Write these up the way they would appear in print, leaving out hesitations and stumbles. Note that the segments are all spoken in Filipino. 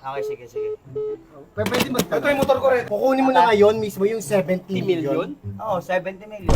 Okay, sige, sige. Pwede mo. Ito yung motor ko rin. Kukunin mo na ngayon mismo yung 70 million. Oo, 70 million.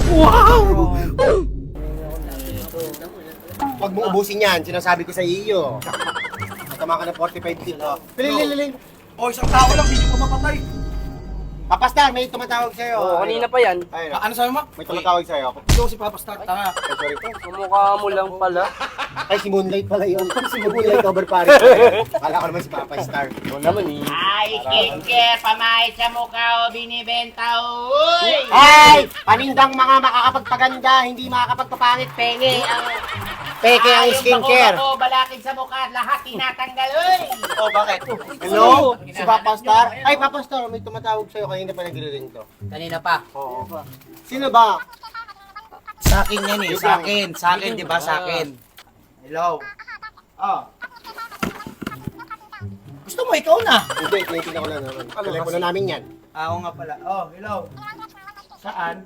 Pag mo ubusin yan, sinasabi ko sa iyo. Tama ka na 45 dito. Pili. O, isang tao lang, hindi ko mapatay. Papastar, may tumatawag sa'yo. Oo, kanina pa yan. Ayun. Ano sabi mo? May tumatawag sa'yo. Ito si Papa Star. Tanga. Ay, sorry po. Kumukha mo lang pala. Ay, si Moonlight pala yun. Si Moonlight cover pare. Kala ko naman si Papa Star. Oo naman eh. Ay, skincare, pamahit sa mukha o binibenta o. Uy! Ay! Panindang mga makakapagpaganda, hindi makakapagpapangit, penge ang... Peke ang skincare. Ako, balakid sa mukha at lahat tinatanggal, uy! Oh, bakit? Hello? Si Papa Star? Ay, Papa Star, may tumatawag sa'yo. Kanina pa nagre-ring to. Kanina pa. Oo. Sino ba? Sa akin yan eh, sa akin. Sa akin, di ba? Sa akin. Hello? Oh. Gusto mo ikaw na? Hindi, tinitingnan ko lang naman. Telepono namin yan. Ako nga pala. Oh, hello? Saan?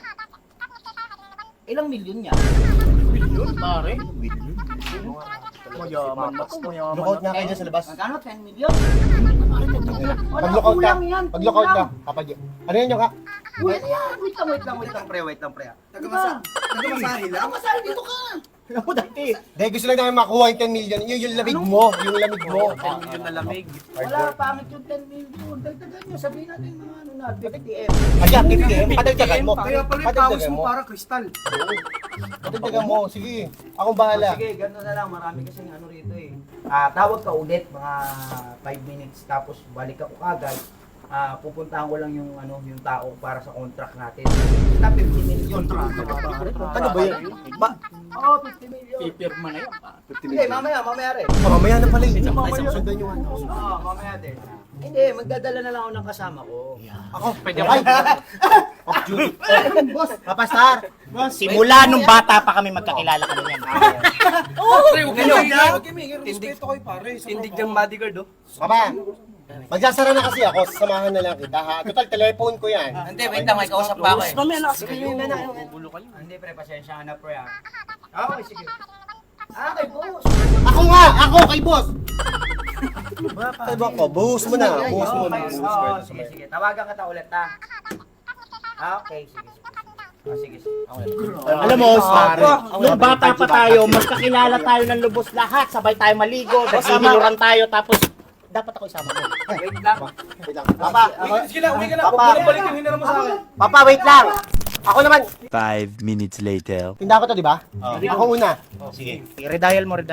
Ilang milyon niya? Milyon, pare. Mayaman na to, mayaman Lookout nga kayo dyan sa labas. Magkano? 10 million? Wala, Pag-lookout ka. kulang yan. Pag-lookout ka. kulang. Kapag... Ano yun yung ka? Kulang yan. Wait lang, pre, wait lang, pre. Nagamasahe lang. Masal dito ka. Alam mo dati. Dahil gusto lang namin makuha yung 10 million. Yung lamig mo. Yung lamig mo. 10 million na lamig. Wala, pangit yung 10 million. Dagdagan nyo, sabihin natin mga ano na, 50M. Ayan, 50M. Padagdagan mo. Kaya pala yung pawis mo parang kristal. Padagdagan mo. Sige. Akong bahala. Sige, gano'n na lang. Marami kasing ano rito eh. Tawag ka ulit, mga 5 minutes, tapos balik ako kagad. Pupuntahan ko lang yung ano yung tao para sa contract natin. Basta 50 million. Ano ba yan? Oo, 50 million. Pipirma na yan, pare. Hindi, mamaya rin. Mamaya na pala yun. Mamaya. Sundan yung ano. Oo, mamaya din. Hindi, magdadala na lang ako ng kasama ko. Ako. Pwede Ay! Off duty. Boss. Papa Star. Simula nung bata pa kami magkakilala kami yan. Pre, huwag kayo Hello. may respeto kayo pare. Tindig ng bodyguard, oh. Papa. Magsasara na kasi ako. Samahan na lang kita ha. Total, telephone ko yan. Hindi, wait lang, may kausap pa ako eh. Mamaya na kasi kayo. Gulo kayo. Hindi, pre, pasensya ka na, pre. Okay, sige. Kay boss. Ako nga! Ako kay boss! Ay ba ko? Buhos mo na. Buhos mo na. Oo, sige. Tawagan kita ulit, ha? Okay, sige. Sige. Alam mo, nung bata pa tayo, magkakilala tayo ng lubos lahat. Sabay tayo maligo, naghihiluran tayo, tapos dapat ako isama mo. Wait lang. Wait lang. Papa, Sige lang, uwi ka na. Huwag Papa. mo nang balik yung hinira mo sa akin. Papa, wait lang. Ako naman. 5 minutes later. Tinda ko to, di ba? Ako una. Sige, redial mo.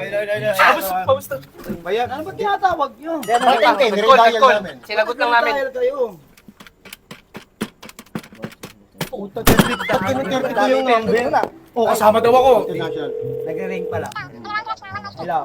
Bayan, ano ba tinatawag yun? Nire-dial namin. Sinagot lang namin. Dial kayo. Puta, pag kinuterte ko yung number. Oh, kasama daw ako. International. Nagre-ring pala. Hello.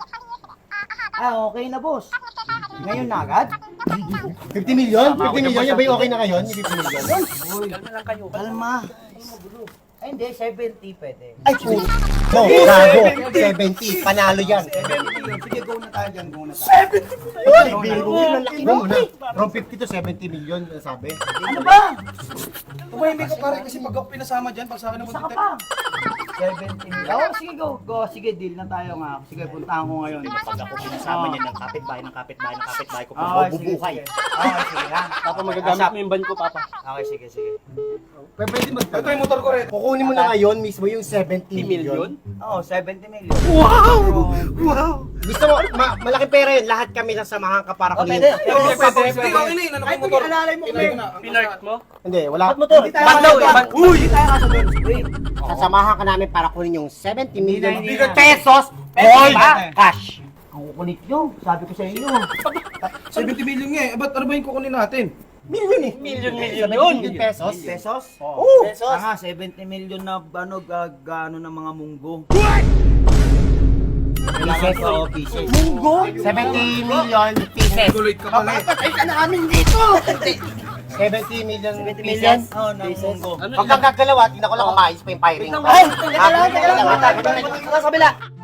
Okay na, boss. Ngayon na agad? 50 million? 50 million? Yan ba yung okay na ngayon? Yung 50 million? Kalma lang kayo. Kalma. Ay, hindi. 70 pwede. Ay, puta. No, gago. 70. Panalo yan. 70. Sige, go na tayo dyan. Go na tayo. Ay, bigo. Go muna. From 50 to 70 million, sabi. Ano ba? Tumahimik ka pare kasi pag ako pinasama dyan, pag sa akin Isa naman ka pa. 70 million. Oh, sige, go. Go. Sige, deal na tayo nga. Sige, puntahan ko ngayon. Pag ako pinasama niya ng kapitbahay ko, Okay, bubuhay. Okay, sige ha. Papa, magagamit mo yung ban ko, Papa. Okay, sige. Pwede mo. Ito yung motor ko rin. Kukunin mo na ngayon mismo yung 70 million. Oo, 70 million. Wow! Gusto mo, malaking pera yun. Lahat kami sasamahan ka para kunin. Pwede. Hindi, okay na yun. Ano yung motor? Pinart mo? Hindi, wala. Hindi tayo Ban daw eh, ban. Hindi tayo kasabihin. Wait. Sasamahan ka namin para kunin yung 70 million Hindi na. pesos Pesos all ba? cash. Ang kukulit nyo. Sabi ko sa inyo. 70 million nga eh. Ba't ano ba yung kukunin natin? Million eh. Million 70 yun. million pesos. Pesos? Oo. Pesos? Nga, 70 million na ano, gano ng mga munggo. Kailangan pa o pieces. Munggo? 70 million pieces. Tuloy ka pala eh. Patay ka namin dito! 70 million pieces? Oo, ng munggo. Pag nagkagalawa, hindi na ko lang kumayos pa yung firing. Ay! Teka lang. Sa kabila.